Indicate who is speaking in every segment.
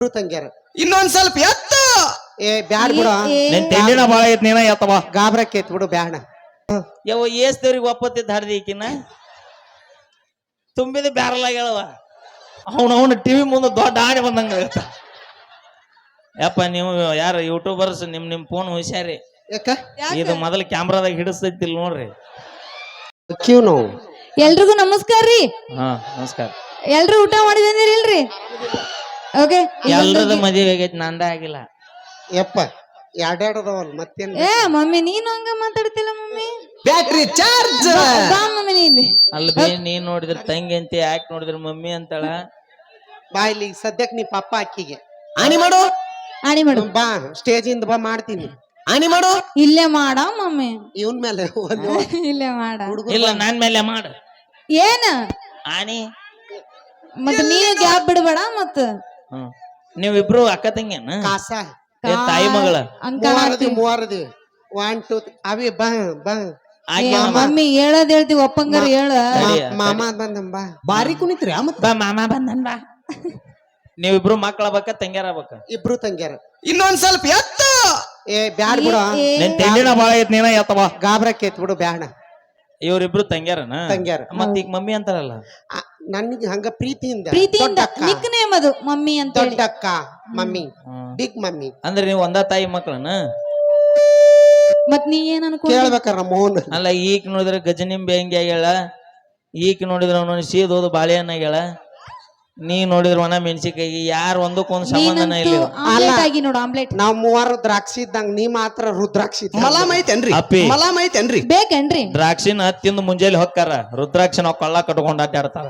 Speaker 1: ತಂಗ್ಯಾರ
Speaker 2: ಇನ್ನೊಂದ್ ಸ್ವಲ್ಪ ಎತ್ತ
Speaker 1: ಏ ಬ್ಯಾಡ್ ಬಿಡ
Speaker 3: ನಿನ್ ತೆಂಡಿನ ಬಾಳ ಐತ್ ನೀನ ಎತ್ತವ
Speaker 1: ಗಾಬ್ರಕ್ಕೈತ್ ಬಿಡು ಬ್ಯಾಡ
Speaker 3: ಯವ ಏಸ್ತವ್ರಿಗೆ ಒಪ್ಪತ್ತಿದ್ದ ಹಾಡ್ದಿ ಈಕಿನ ತುಂಬಿದ ಬ್ಯಾರಲ್ ಆಗ್ಯಾಳವ ಅವನು ಟಿವಿ ಮುಂದೆ ದೊಡ್ಡ ಆಣೆ ಬಂದಂಗ ಯಪ್ಪ ನೀವು ಯಾರು ಯೂಟ್ಯೂಬರ್ಸ್ ನಿಮ್ ಫೋನ್ ಹುಷಾರಿ
Speaker 1: ಯಾಕ
Speaker 3: ಇದು ಮೊದಲು ಕ್ಯಾಮ್ರಾದಾಗ ಹಿಡಿಸ್ತೈತಿಲ್ ನೋಡ್ರಿ
Speaker 1: ಕ್ಯೂ ನೋವು
Speaker 4: ಎಲ್ರಿಗೂ ನಮಸ್ಕಾರ ರೀ.
Speaker 3: ಹಾ ನಮಸ್ಕಾರ.
Speaker 4: ಎಲ್ರು ಊಟ ಮಾಡಿದಂದಿರಿ ಇಲ್ರಿ? ಓಕೆ.
Speaker 3: ಎಲ್ರದ ಮದುವೆ ಆಗೈತಿ ನಂದ ಆಗಿಲ್ಲ.
Speaker 1: ಯಪ್ಪ ಎರಡೆರಡದವಲ್ ಮತ್ತೇನ್
Speaker 4: ಏ ಮಮ್ಮಿ ನೀನು ಹಂಗ ಮಾತಾಡ್ತಿಲ್ಲ ಮಮ್ಮಿ.
Speaker 2: ಬ್ಯಾಟ್ರಿ ಚಾರ್ಜ್
Speaker 4: ಬಾ ಮಮ್ಮಿ ನೀ ಇಲ್ಲಿ.
Speaker 3: ಅಲ್ಬೇ ನೀನ್ ನೋಡಿದ್ರ ತಂಗಿ ಅಂತ ಯಾಕೆ ನೋಡಿದ್ರ ಮಮ್ಮಿ ಅಂತಾಳ.
Speaker 1: ಬಾ ಇಲ್ಲಿ ಸದ್ಯಕ್ ನೀ ಪಪ್ಪ ಅಕ್ಕಿಗೆ
Speaker 2: ಆನಿ ಮಾಡು
Speaker 4: ಆಣಿ ಮಾಡು.
Speaker 1: ಬಾ ಸ್ಟೇಜ್ ಇಂದ ಬಾ ಮಾಡ್ತೀನಿ.
Speaker 2: ಆನಿ ಮಾಡು
Speaker 4: ಇಲ್ಲೇ ಮಾಡ ಮಮ್ಮಿ.
Speaker 1: ಇವನ್ ಮೇಲೆ
Speaker 4: ಇಲ್ಲೇ ಮಾಡ.
Speaker 3: ಇಲ್ಲ ನಾನ್ ಮೇಲೆ ಮಾಡ
Speaker 4: ಏನ
Speaker 3: ಆನಿ
Speaker 4: ಮತ್ ನೀನು ಗ್ಯಾಪ್ ಬಿಡಬೇಡ ಮತ್ತ.
Speaker 3: ನೀವಿಬ್ರು ಅಕ್ಕ ತಂಗಿಯನ
Speaker 1: ಕಾಸ
Speaker 3: ತಾಯಿ ಮಗಳ
Speaker 1: ಮೂವರದಿ 1 2 ಅವಿ ಬಾ ಬಾ
Speaker 4: ಮಮ್ಮಿ ಹೇಳದ್ ಹೇಳ್ತೀವಿ ಒಪ್ಪಂಗಾರ ಹೇಳ.
Speaker 1: ಮಾಮ ಬಂದ ಬಾ
Speaker 2: ಬಾರಿ ಕುಣಿತ್ರಿ
Speaker 3: ಬಾ ಮಾಮ ಬಂದನ್ ಬಾ. ನೀವಿಬ್ರು ಮಕ್ಕಳ ಬಕ್ಕ ತಂಗ್ಯಾರ ಬಕ್ಕ
Speaker 1: ಇಬ್ರು ತಂಗ್ಯಾರ
Speaker 2: ಇನ್ನೊಂದ್ ಸ್ವಲ್ಪ ಎತ್ತ
Speaker 1: ಏ ಬ್ಯಾಡ್ ಬಿಡ
Speaker 3: ನಿನ್ ತೆಂಡಿನ ಬಾಳ ಐತ್ ನೀನ ಎತ್ತವ
Speaker 1: ಗಾಬ್ರಕ್ಕೈತ್ ಬಿಡು ಬ್ಯಾಡ
Speaker 3: ಇವ್ರಿಬ್ರು ತಂಗ್ಯಾರನ
Speaker 1: ತಂಗ್ಯಾರ
Speaker 3: ಮತ್ ಈಗ ಮಮ್ಮಿ ಅಂತಾರಲ್ಲ
Speaker 1: ನನಗೆ ಹಂಗ ಪ್ರೀತಿಯಿಂದ
Speaker 4: ನಿಕ್ ನೇಮ್ ಅದು ಮಮ್ಮಿ ಅಂತ ಹೇಳಿ.
Speaker 1: ದೊಡ್ಡಕ್ಕ ಮಮ್ಮಿ ಬಿಗ್ ಮಮ್ಮಿ
Speaker 3: ಅಂದ್ರೆ ನೀವು ಒಂದ ತಾಯಿ ಮಕ್ಕಳನ.
Speaker 4: ಮತ್ ನೀ ಏನ್ ಅನ್ಕೊಂಡಿ?
Speaker 1: ಕೇಳ್ಬೇಕಾರ ಮೋಹನ್
Speaker 3: ಅಲ್ಲ ಈಗ ನೋಡಿದ್ರೆ ಗಜನಿಂಬೆ ಹೆಂಗೆ ಆಗ್ಯಾಳ, ಈಗ ನೋಡಿದ್ರೆ ಅವನು ಸೀದೋದು ಬಾಳೆಹಣ್ಣ ಆಗ್ಯಾಳ, ನೀ ನೋಡಿದ್ರ ಒಣ ಮೆಣಸಿಕಾಯಿ. ಯಾರು ಒಂದಕ್ಕೊಂದು ಸಂಬಂಧನ ಇಲ್ಲ.
Speaker 4: ಆಮ್ಲೆಟ್ ಆಗಿ ನೋಡು ಆಮ್ಲೆಟ್.
Speaker 1: ನಾವ್ ಮೂವರು ದ್ರಾಕ್ಷಿ ಇದ್ದಂಗ ನೀ ಮಾತ್ರ ರುದ್ರಾಕ್ಷಿ
Speaker 2: ಮಲಾಮ್ ಐತೇನ್ರಿ
Speaker 3: ಅಪ್ಪಿ.
Speaker 2: ಮಲಾಮ್ ಐತೇನ್ರಿ
Speaker 4: ಬೇಕೇನ್ರಿ?
Speaker 3: ದ್ರಾಕ್ಷಿನ ತಿಂದು ಮುಂಜಾನೆ ಹೊಕ್ಕಾರ, ರುದ್ರಾಕ್ಷಿ ನಾವು ಕೊಳ್ಳ ಕಟ್ಕೊಂಡು ಅಡ್ಡಾಡ್ತಾರ.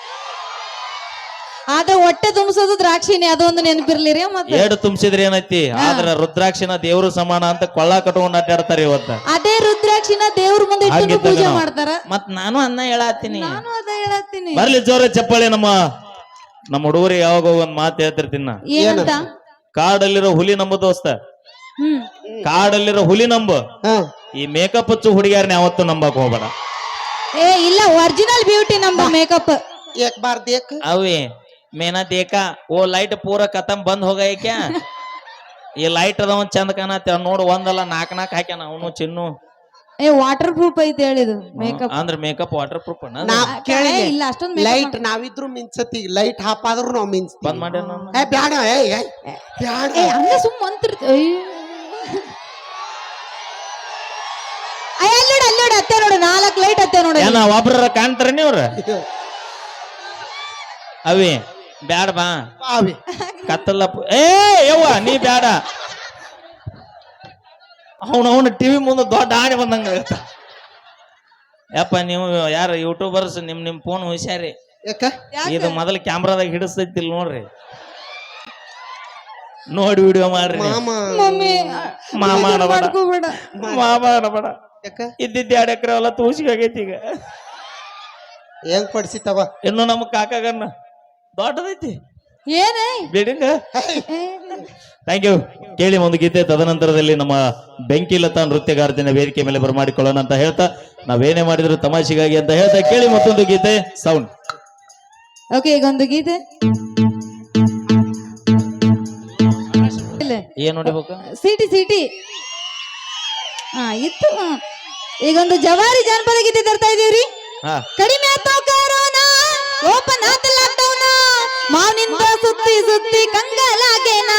Speaker 4: ಆದ್ರೆ ಹೊಟ್ಟೆ ತುಂಬಿಸೋದು ದ್ರಾಕ್ಷಿನೇ, ಅದೊಂದು ನೆನಪಿರ್ಲಿರಿ. ಮತ್ತೆ
Speaker 3: ಏಡು ತುಂಬಿಸಿದ್ರೆ ಏನೈತಿ, ಆದ್ರ ರುದ್ರಾಕ್ಷಿನ ದೇವ್ರು ಸಮಾನ ಅಂತ ಕೊಳ್ಳ ಕಟ್ಕೊಂಡು ಅಡ್ಡಾಡ್ತಾರ ಇವತ್ತ.
Speaker 4: ಅದೇ ರುದ್ರಾಕ್ಷಿನ ದೇವ್ರ ಮುಂದೆ ಇಟ್ಟು
Speaker 3: ಹಾಗಿದ್ದಾಗ
Speaker 4: ಪೂಜೆ
Speaker 3: ನಾವು-
Speaker 4: ಮಾಡ್ತಾರ.
Speaker 3: ಮತ್ ನಾನು ಅನ್ನ ಹೇಳತ್ತೀನಿ.
Speaker 4: ನಾನು ಅದ ಹೇಳತ್ತೀನಿ.
Speaker 3: ಬರ್ಲಿ ಜೋರ ಚಪ್ಪಾಳೆ. ನಮ್ಮ ಹುಡುಗರಿಗೆ ಯಾವಾಗ ಒಂದ್ ಮಾತು ಹೇಳ್ತಿರ್ತೀನಿ ನಾ.
Speaker 4: ಏನಂತ?
Speaker 3: ಕಾಡಲ್ಲಿರೋ ಹುಲಿ ನಂಬು ದೋಸ್ತ, ಕಾಡಲ್ಲಿರೋ ಹುಲಿ ನಂಬು. ಈ ಮೇಕಪ್ ಹಚ್ಚು ಹುಡುಗಿಯಾರನ್ನ ಯಾವತ್ತು ನಂಬಕ್ ಹೋಗ್ಬೇಡ.
Speaker 4: ಏ ಇಲ್ಲ, ಒರಿಜಿನಲ್ ಬ್ಯೂಟಿ ನಮ್ದು ಮೇಕಪ್.
Speaker 1: ಏಕ್ ಬಾರ್ ದೇಕ್
Speaker 3: ಅವೇ ಮೇನಾ ದೇಕಾ ಓ ಲೈಟ್ ಪೂರ ಕತಮ್ ಬಂದ್ ಹೋಗ ಕ್ಯಾ. ಈ ಲೈಟ್ ಅದ ಒಂದ್ ಚಂದ ಕಾಣತ್ತ ನೋಡು, ಒಂದಲ್ಲ ನಾಲ್ಕ್ ಹಾಕ್ಯಾನ ಅವನು ಚಿನ್ನು.
Speaker 4: ಏ ವಾಟರ್ ಪ್ರೂಫ್ ಐತಿ ಹೇಳಿದು ಮೇಕಪ್.
Speaker 3: ಅಂದ್ರೆ ಮೇಕಪ್ ವಾಟರ್ ಪ್ರೂಫ್ ಅಣ್ಣ.
Speaker 4: ಇಲ್ಲ ಅಷ್ಟೊಂದು
Speaker 1: ಲೈಟ್ ನಾವಿದ್ರು ಮಿಂಚತಿ, ಲೈಟ್ ಹಾಪಾದ್ರು ನಾವ್ ಮಿಂಚ್ತೀವಿ.
Speaker 3: ಬಂದ್ ಮಾಡಿ
Speaker 1: ಏ ಬ್ಯಾಡ ಬ್ಯಾಡ
Speaker 4: ಏ ಹಂಗ ಸುಮ್ಮ ಅಂತಿರ್ತ. ಅಲ್ಲೋಡ ಅತ್ತೆ ನೋಡು, 4 ಲೈಟ್ ಅತ್ತೆ ನೋಡು.
Speaker 3: ಏನ ಒಬ್ರ ಕಾಣ್ತಾರ ನೀವ್ರ. ಅವೇ ಬ್ಯಾಡ ಬಾ ಕತ್ತಲ್ಲ. ಏ ಯವ್ವ ನೀ ಬ್ಯಾಡ. ಅವನು ಟಿವಿ ಮುಂದೆ ದೊಡ್ಡ ಆಣೆ ಬಂದಂಗ ಯಪ್ಪ. ನೀವು ಯಾರು ಯೂಟ್ಯೂಬರ್ಸ್ ನಿಮ್ ಫೋನ್ ಹುಷಾರಿ.
Speaker 1: ಯಾಕ
Speaker 3: ಇದು ಮೊದಲು ಕ್ಯಾಮ್ರಾದಾಗ ಹಿಡಿಸ್ತೈತಿಲ್ ನೋಡ್ರಿ, ನೋಡಿ ವಿಡಿಯೋ ಮಾಡ್ರಿ.
Speaker 1: ಮಾಮ
Speaker 4: ಮಮ್ಮಿ
Speaker 3: ಮಾಮ ಅನಬೇಡ,
Speaker 4: ಮಾಡ್ಕೋಬೇಡ.
Speaker 3: ಮಾಮ ಅನಬೇಡ.
Speaker 1: ಯಾಕ
Speaker 3: ಇದ್ದಿದ್ದ 2 ಎಕರೆ ಎಲ್ಲ ತೂಸಿಗೆ ಆಗೈತಿ. ಈಗ
Speaker 1: ಹೆಂಗ್ ಪಡಿಸಿತವ
Speaker 3: ಇನ್ನು ನಮ್ಮ ಕಾಕಾಗನ್ನ ದೊಡ್ಡದೈತಿ
Speaker 4: ಏನೇ
Speaker 3: ಬಿಲ್ಡಿಂಗ್. Thank you. ಕೇಳಿ ಒಂದು ಗೀತೆ, ತದನಂತರದಲ್ಲಿ ನಮ್ಮ ಬೆಂಕಿಲತಾ ನೃತ್ಯಗಾರ್ತಿನ ವೇದಿಕೆ ಮೇಲೆ ಬರಮಾಡಿಕೊಳ್ಳೋಣ ಅಂತ ಹೇಳ್ತಾ, ನಾವೇನೇ ಮಾಡಿದ್ರು ತಮಾಷೆಗಾಗಿ ಅಂತ ಹೇಳ್ತಾ ಕೇಳಿ ಮತ್ತೊಂದು ಗೀತೆ. ಸೌಂಡ್
Speaker 4: ಓಕೆ, ಈಗ ಒಂದು ಗೀತೆ.
Speaker 3: ಏನ್ ನೋಡಿಬೇಕು?
Speaker 4: ಸಿಟಿ ಹಾ ಇತ್ತು. ಈಗೊಂದು ಜವಾರಿ ಜಾನಪದ ಗೀತೆ ತರ್ತಾ ಇದೀವ್ರಿ. ಕಡಿಮೆ ಆತಾವ್ ಕರೋನಾ, ಓಪನ್ ಆತ ಲಾಕ್ಡೌನ್, ಮಾವಿನಿಂದ ಸುತ್ತಿ ಕಂಗಲಾಗೇನಾ.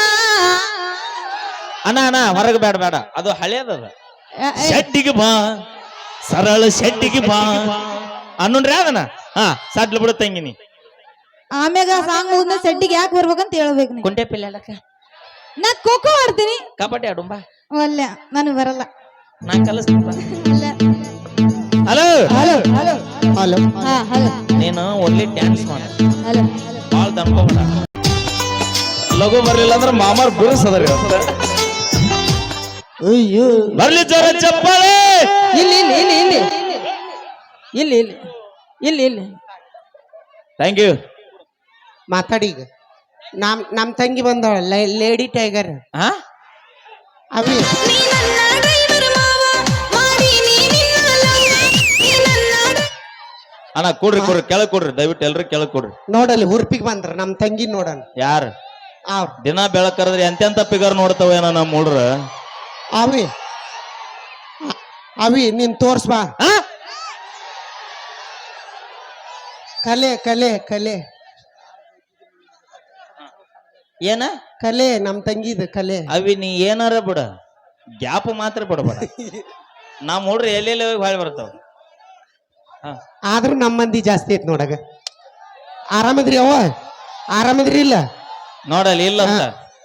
Speaker 3: ಅಣ್ಣ ಹೊರಗೆ ಬೇಡ ಬೇಡ, ಅದು ಹಳೇದದ. ಶೆಡ್ಡಿಗೆ ಬಾ, ಸರಳ ಶೆಡ್ಡಿಗೆ ಬಾ ಅನ್ನೋಣ್ರಿ ಅದನ್ನ. ಸಡ್ಲು ಬಿಡು ತಂಗಿನಿ.
Speaker 4: ಆಮ್ಯಾಗ ಸಾಂಗ್ ಮುಗಿದ ಸೆಡ್ಡಿಗೆ ಯಾಕೆ ಬರ್ಬೇಕಂತ ಹೇಳ್ಬೇಕು ನೀ.
Speaker 3: ಕುಂಟೆ ಪಿಲ್ಲ
Speaker 4: ನಾ ಖೋಖೋ ಆಡ್ತೀನಿ.
Speaker 3: ಕಬಡ್ಡಿ ಆಡುಂಬಾ.
Speaker 4: ಅಲ್ಲ ನನಗೆ ಬರಲ್ಲ.
Speaker 3: ನಾ ಕಲಿಸ್ತೀನಿ. Hello
Speaker 4: hello hello
Speaker 1: hello
Speaker 4: hello
Speaker 3: ನೀನು ಒಳ್ಳೆ ಡ್ಯಾನ್ಸ್ ಮಾಡ,
Speaker 4: ಹಲೋ
Speaker 3: ಬಾಳ ದನ್ಕೋಬೇಡ. ಲಘು ಬರ್ಲಿಲ್ಲ ಅಂದ್ರೆ ಮಾಮಾರ್ ಬಿರುಸದ್ರಿ. ಬರ್ಲಿ ಜೋರ ಚಪ್ಪಾಳೆ.
Speaker 4: ಇಲ್ಲಿ
Speaker 3: ಥ್ಯಾಂಕ್ ಯು.
Speaker 1: ಮಾತಾಡಿ. ಈಗ ನಮ್ ತಂಗಿ ಬಂದಳ ಲೇಡಿ ಟೈಗರ್. ಅವಿ
Speaker 3: ಅಣ್ಣ ಕೊಡ್ರಿ ಕೆಳಗ್ ಕೊಡ್ರಿ, ದಯವಿಟ್ಟು ಎಲ್ರು ಕೆಳಗ್ ಕೊಡ್ರಿ.
Speaker 1: ನೋಡಲ್ಲಿ ಹುರ್ಪಿಗೆ ಬಂದ್ರ ನಮ್ ತಂಗಿ ನೋಡಣ.
Speaker 3: ಯಾರು
Speaker 1: ಅವ್ರ್
Speaker 3: ದಿನ ಬೆಳಕರದ್ರೆ ಎಂತೆಂತ ಪಿಗರ್ ನೋಡ್ತಾವೇನ ನಮ್ಮ ಹುಡ್ರ.
Speaker 1: ಅವಿ ಅವಿ ನೀನ್ ತೋರ್ಸ್ಬಾ. ಕಲೆ ಕಲೆ ಕಲೆ
Speaker 3: ಏನ
Speaker 1: ಕಲೆ ನಮ್ ತಂಗಿದ ಕಲೆ.
Speaker 3: ಅವಿ ನೀ ಏನಾರ ಬಿಡ, ಗ್ಯಾಪ್ ಮಾತ್ರ ಬಿಡಬೇಡ. ನಮ್ಮ ಹುಡ್ರು ಎಲ್ಲೆಲ್ಲಿ ಹೋಗಿ ಹೊಳ್ ಬರ್ತಾವ.
Speaker 1: ಆದ್ರೂ ನಮ್ಮ ಮಂದಿ ಜಾಸ್ತಿ ಐತ್ ನೋಡಗ. ಆರಾಮದ್ರಿ ಅವ್ವ? ಆರಾಮದ್ರಿ ಇಲ್ಲ?
Speaker 3: ನೋಡಲ್ಲಿ ಇಲ್ಲ ಅಂತ.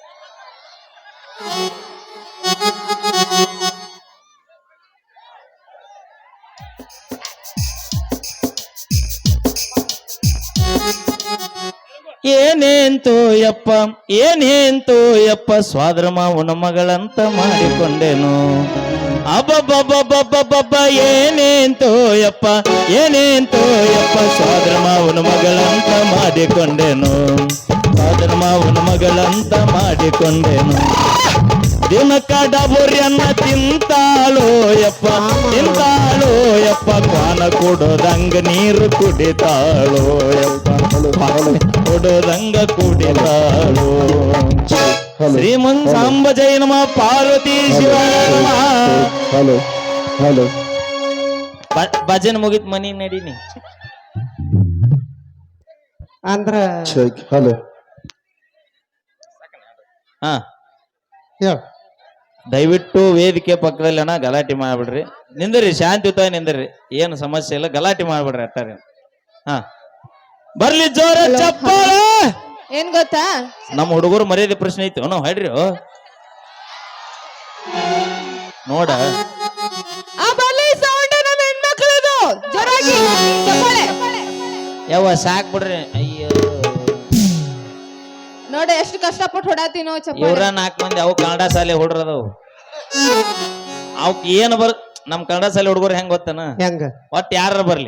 Speaker 3: ಏನೇಂತೋ ಯಪ್ಪ ಏನೇಂತೋ ಯಪ್ಪ ಸ್ವಾದ್ರ ಮಾವನ ಮಗಳಂತ ಮಾಡಿಕೊಂಡೆನು. ಅಬ್ಬಬ್ಬಬ್ಬಬ್ಬಬ್ಬಬ್ಬ ಏನೇಂತೋ ಯಪ್ಪ ಏನೇಂತೋ ಯಪ್ಪ ಸ್ವಾದ್ರ ಮಾವನ ಮಗಳಂತ ಮಾಡಿಕೊಂಡೆನು. ಸ್ವಾದ್ರ ಮಾವನ ಮಗಳಂತ ಮಾಡಿಕೊಂಡೆನು. ದಿನಕ್ಕ ಡಬುರಿಯನ್ನ ತಿಂತಾಳೋ ಯಪ್ಪ ತಿಂತಾಳೋ ಯಪ್ಪ ಕ್ವಾನ ಕೊಡೋದಂಗ ನೀರು ಕುಡಿತಾಳೋ ಯಪ್ಪ ಕೊಡೋದಂಗ ಕುಡಿತಾಳೋ. ಶ್ರೀಮಂತ ಸಾಂಬ ಜೈ ನಮ ಪಾರ್ವತಿ ಶಿವ ನಮಃ.
Speaker 2: ಹಲೋ ಹಲೋ
Speaker 3: ಭಜನ್ ಮುಗಿತ್ ಮನಿ ನಡೀನಿ
Speaker 1: ಅಂದ್ರ
Speaker 2: ಹಲೋ.
Speaker 3: ಹಾ
Speaker 1: ಹೇಳ್.
Speaker 3: ದಯವಿಟ್ಟು ವೇದಿಕೆ ಪಕ್ಕದಲ್ಲಿ ಅಣ್ಣ ಗಲಾಟೆ ಮಾಡ್ಬಿಡ್ರಿ. ನಿಂದ್ರಿ ಶಾಂತಿಯುತ ನಿಂದ್ರಿ, ಏನು ಸಮಸ್ಯೆ ಇಲ್ಲ, ಗಲಾಟೆ ಮಾಡ್ಬಿಡ್ರಿ ಅಟ್ಟಾರೆ. ಹಾ ಬರ್ಲಿ ಜೋರ ಚಪ್ಪಾಳ.
Speaker 4: ಏನ್ ಗೊತ್ತಾ,
Speaker 3: ನಮ್ಮ ಹುಡುಗರು ಮರ್ಯಾದೆ ಪ್ರಶ್ನೆ ಐತಿ ನಾವು ಹೇಳ್ರಿ. ನೋಡ
Speaker 4: ಆ ಬರ್ಲಿ ಸೌಂಡ್ ನಮ್ಮ ಹೆಣ್ಮಕ್ಳದು ಜೋರಾಗಿ ಚಪ್ಪಾಳೆ.
Speaker 3: ಯಾವ ಸಾಕ್ ಬಿಡ್ರಿ. ಅಯ್ಯೋ
Speaker 4: ನೋಡಿ ಎಷ್ಟು ಕಷ್ಟಪಟ್ಟು ಹೊಡಾತೀನೋ ಚಪ್ಪಾಳೆ.
Speaker 3: ಇವ್ರ 4 ಮಂದಿ ಅವು ಕನ್ನಡ ಶಾಲೆ ಹುಡ್ರದವು. ಅವಕ್ ಏನ್ ನಮ್ ಕನ್ನಡ ಶಾಲೆ ಹುಡುಗರು ಹೆಂಗ್ ಗೊತ್ತನ,
Speaker 1: ಹೆಂಗ
Speaker 3: ಒಟ್ ಯಾರ ಬರ್ಲಿ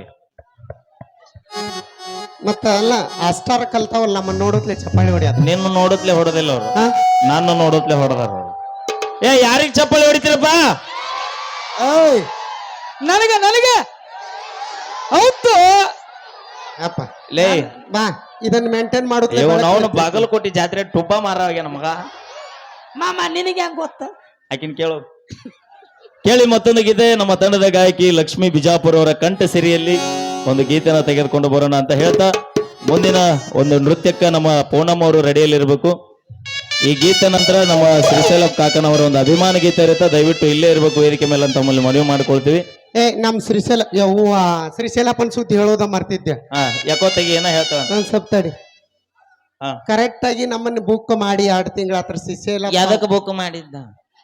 Speaker 1: ಮತ್ತ ಅಲ್ಲ ಅಷ್ಟಾರ ಕಲ್ತಾವಲ್ಲ ನಮ್ಮ ನೋಡತ್ಲೆ ಚಪ್ಪಾಳಿ ಹೊಡಿಯೋದು.
Speaker 3: ನಿನ್ನ ನೋಡತ್ಲೆ ಹೊಡೆದಿಲ್ಲ ಅವ್ರು, ನನ್ನ ನೋಡತ್ಲೆ ಹೊಡೆದಾರ ಅವ್ರು. ಏ ಯಾರಿಗ್ ಚಪ್ಪಾಳಿ ಹೊಡಿತೀರಪ್ಪ?
Speaker 1: ಓಯ್
Speaker 4: ನನಗೆ ನನಗೆ ಹೌದು
Speaker 1: ಅಪ್ಪ
Speaker 3: ಲೇ
Speaker 1: ಬಾ ಇದನ್ನ ಮೇಂಟೈನ್ ಮಾಡುತ್ತೆ.
Speaker 3: ಅವನು ಬಾಗಲಕೋಟೆ ಜಾತ್ರೆ ಟುಬ್ಬ ಮಾರವಾಗ್ಯ ನಮಗ.
Speaker 4: ಮಾಮ ನಿನಗೆ ಹೆಂಗ್ ಗೊತ್ತ?
Speaker 3: ಆಕಿನ್ ಕೇಳು. ಕೇಳಿ ಮತ್ತೊಂದು ಗೀತೆ ನಮ್ಮ ತಂಡದ ಗಾಯಕಿ ಲಕ್ಷ್ಮೀ ಬಿಜಾಪುರ ಅವರ ಕಂಠ ಸಿರಿಯಲ್ಲಿ ಒಂದು ಗೀತೆನ ತೆಗೆದುಕೊಂಡು ಬರೋಣ ಅಂತ ಹೇಳ್ತಾ, ಮುಂದಿನ ಒಂದು ನೃತ್ಯಕ್ಕೆ ನಮ್ಮ ಪೂನಮ್ ಅವರು ರೆಡಿಯಲ್ಲಿರ್ಬೇಕು. ಈ ಗೀತೆ ನಂತರ ನಮ್ಮ ಶ್ರೀಶೈಲ ಕಾಕನವರ ಒಂದು ಅಭಿಮಾನ ಗೀತೆ ಇರುತ್ತೆ, ದಯವಿಟ್ಟು ಇಲ್ಲೇ ಇರ್ಬೇಕು ವೇದಿಕೆ ಮೇಲೆ ಅಂತ ತಮ್ಮಲ್ಲಿ ಮನವಿ ಮಾಡ್ಕೊಳ್ತೀವಿ.
Speaker 1: ನಮ್ ಶ್ರೀಶೈಲ ಯವ್ವ ಶ್ರೀಶೈಲಪ್ಪನ ಸುದ್ದಿ ಹೇಳೋದ ಮರ್ತಿದ್ದೆ.
Speaker 3: ಯಾಕೋ ತೆಗಿ ಏನ ಹೇಳ್ತಾವ
Speaker 1: ನನ್ ಸ್ವಲ್ಪ ತಡಿ.
Speaker 3: ಹಾ.
Speaker 1: ಕರೆಕ್ಟ್ ಆಗಿ ನಮ್ಮನ್ನ ಬುಕ್ ಮಾಡಿ 2 ತಿಂಗಳ ಹತ್ರ ಶ್ರೀಶೈಲ
Speaker 3: ಯಾವ್ದಕ್ಕೆ ಬುಕ್ ಮಾಡಿದ್ದ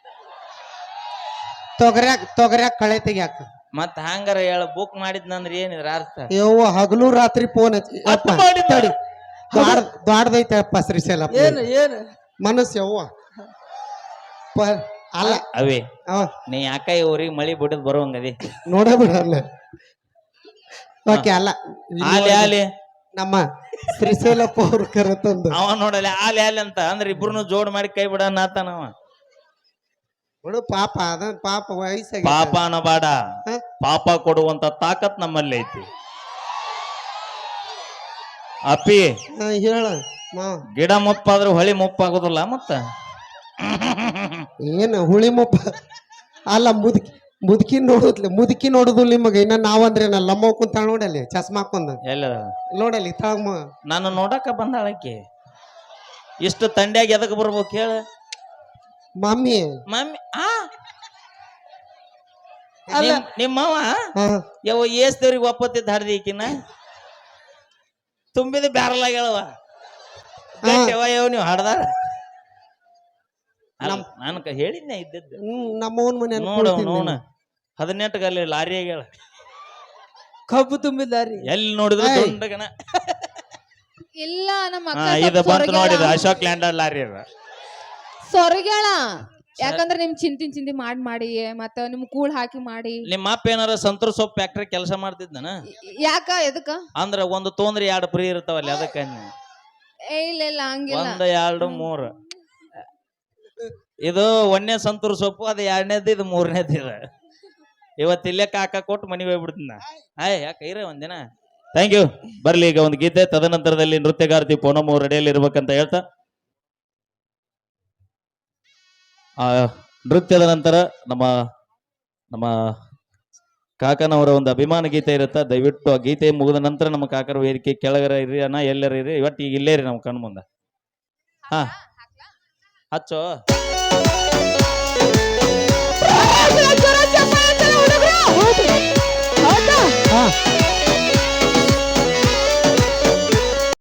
Speaker 1: ತೊಗರ್ಯಾಕ ಕಳೆ ತೆಗ್ಯಾಕ.
Speaker 3: ಮತ್ ಹಂಗಾರ ಹೇಳ ಬುಕ್ ಮಾಡಿದ್ನಂದ್ರ ಏನಿದ್ರ ಅರ್ಥ?
Speaker 1: ಯವ್ವ ಹಗಲು ರಾತ್ರಿ ಫೋನ್ ಹಚ್ಚಿ
Speaker 3: ಅಪ್ಪ ಮಾಡಿದ್ದ.
Speaker 1: ದ್ವಾಡ್ದೈತೆ ಅಪ್ಪ ಶ್ರೀಶೈಲಪ್ಪ
Speaker 4: ಏನು
Speaker 1: ಮನಸ್ಸು ಯವ್ವ ಅಲ್ಲ
Speaker 3: ಅವೇ
Speaker 1: ಅವ
Speaker 3: ನೀ ಯಾಕ ಈ ಊರಿಗೆ ಮಳಿ ಬಿಡದ್ ಬರುವಂಗದಿ
Speaker 1: ನೋಡ ಬಿಡಲ್ಲ. ಓಕೆ ಅಲ್ಲ
Speaker 3: ಆಲಿ ಆಲಿ
Speaker 1: ನಮ್ಮ ಶ್ರೀಶೈಲಪ್ಪ ಅವ್ರು ಕರೆತಂದು
Speaker 3: ಅವ ನೋಡಲ್ಲ ಆಲಿ ಆಲಿ ಅಂತ ಅಂದ್ರೆ ಇಬ್ರು ಜೋಡ್ ಮಾಡಿ ಕೈ ಬಿಡಣ ಆತನವ.
Speaker 1: ಬಿಡು ಪಾಪ ಅದ ಪಾಪ ವಯಸ್ಸಾಗಿ
Speaker 3: ಪಾಪ ಅನ್ನಬಾಡ, ಪಾಪ ಕೊಡುವಂತ ತಾಕತ್ ನಮ್ಮಲ್ಲಿ ಐತಿ. ಅಪ್ಪಿ
Speaker 1: ಹೇಳ
Speaker 3: ಗಿಡ ಮುಪ್ಪಾದ್ರೂ ಹೊಳಿ ಮುಪ್ಪಾಗೋದಿಲ್ಲ. ಮತ್ತ
Speaker 1: ಏನು ಹುಳಿ ಮುಪ್ಪ ಅಲ್ಲ ಮುದುಕಿ ನೋಡುದಿಲ್ಲ ನಿಮಗ. ಇನ್ನ ನಾವಂದ್ರೆ ಲಮ್ಮ ಕುಂತ ನೋಡಲ್ಲಿ ಚಸ್ಮಾ ಹಾಕೊಂಡ
Speaker 3: ಎಲ್ಲ
Speaker 1: ನೋಡಲ್ಲಿ ತಳಗ
Speaker 3: ನಾನು ನೋಡಕ ಬಂದಾಳಕ್ಕೆ. ಇಷ್ಟು ತಂಡ್ಯಾಗ ಎದಕ್ ಬರ್ಬೇಕು ಹೇಳ
Speaker 1: ಮಮ್ಮಿ
Speaker 3: ಮಮ್ಮಿ. ನಿಮ್ಮವ ಯಾವ ಏಸ್ದವ್ರಿಗೆ ಒಪ್ಪತ್ತಿದ್ದ ಹಡ್ದಿ ಈಕಿನ ತುಂಬಿದ ಬ್ಯಾರಲ್ ಆಗ್ಯಾಳವ. ಯಾವ ನೀವು ಹಡ್ದಾರ ನಾನು ಹೇಳಿದ್ನೆ ಇದ್ದದ್ದು.
Speaker 1: ನಮ್ಮವನ್ ಮನೆ
Speaker 3: ನೋಡ 18 ಗಲ್ಲಿ ಲಾರಿ ಆಗ್ಯಾಳ.
Speaker 4: ಕಬ್ಬು ತುಂಬಿದಾರಿ
Speaker 3: ಎಲ್ಲಿ ನೋಡಿದ್ರು ದೊಡ್ಡಗನ.
Speaker 4: ಇಲ್ಲ ನಮ್ಮ
Speaker 3: ಇದು ಬಂತು ನೋಡಿದ ಅಶೋಕ್ ಲ್ಯಾಂಡರ್ ಲಾರಿ ಅದ
Speaker 4: ಸೊರಗ್ಯಾಳ. ಯಾಕಂದ್ರೆ ನಿಮ್ ಚಿಂತಿ ಮಾಡಿ ಮತ್ತ ನಿಮ್ ಕೂಳ್ ಹಾಕಿ ಮಾಡಿ.
Speaker 3: ನಿಮ್ಮ ಅಪ್ಪ ಏನಾರ ಸಂತೂರ್ ಸೊಪ್ಪು ಫ್ಯಾಕ್ಟ್ರಿ ಕೆಲಸ ಮಾಡ್ತಿದ್ದನ?
Speaker 4: ಯಾಕ ಎದಕ್ಕ?
Speaker 3: ಅಂದ್ರ ಒಂದು ತೊಂದ್ರೆ 2 ಫ್ರೀ ಇರ್ತಾವಲ್ಲಿ ಅದಕ್ಕ.
Speaker 4: ಇಲ್ಲ ಹಂಗಿಲ್ಲ.
Speaker 3: 1 2 3 ಇದು 1ನೇ ಸಂತೂರ್ ಸೊಪ್ಪು, ಅದು 2ನೇದು, ಇದು 3ನೇದು. ಇದು ಇವತ್ತು ಇಲ್ಲೇ ಕಾಕ ಕೊಟ್ಟು ಮನಿ ಹೋಗ್ಬಿಡ್ತೀನ. ಯಾಕೆ ಇರ ಒಂದಿನ. Thank you. ಬರ್ಲಿ ಈಗ ಒಂದು ಗೀತೆ, ತದನಂತರದಲ್ಲಿ ನೃತ್ಯಗಾರ್ತಿ ಪೂನಮ್ ರೆಡಿಯಲ್ಲಿ ಇರ್ಬೇಕಂತ ಹೇಳ್ತಾ ಆ ನೃತ್ಯದ ನಂತರ ನಮ್ಮ ನಮ್ಮ ಕಾಕನವರ ಒಂದು ಅಭಿಮಾನ ಗೀತೆ ಇರುತ್ತ. ದಯವಿಟ್ಟು ಆ ಗೀತೆ ಮುಗಿದ ನಂತರ ನಮ್ಮ ಕಾಕರ ವೇದಿಕೆ ಕೆಳಗರ ಇರ್ರಿ ಅಣ್ಣ, ಎಲ್ಲರ ಇರ್ರಿ. ಇವತ್ತು ಈಗ ಇಲ್ಲೇ ರೀ ನಮ್ಮ ಕಣ್ಣು ಮುಂದೆ. ಹಾ ಹಚ್ಚೋ.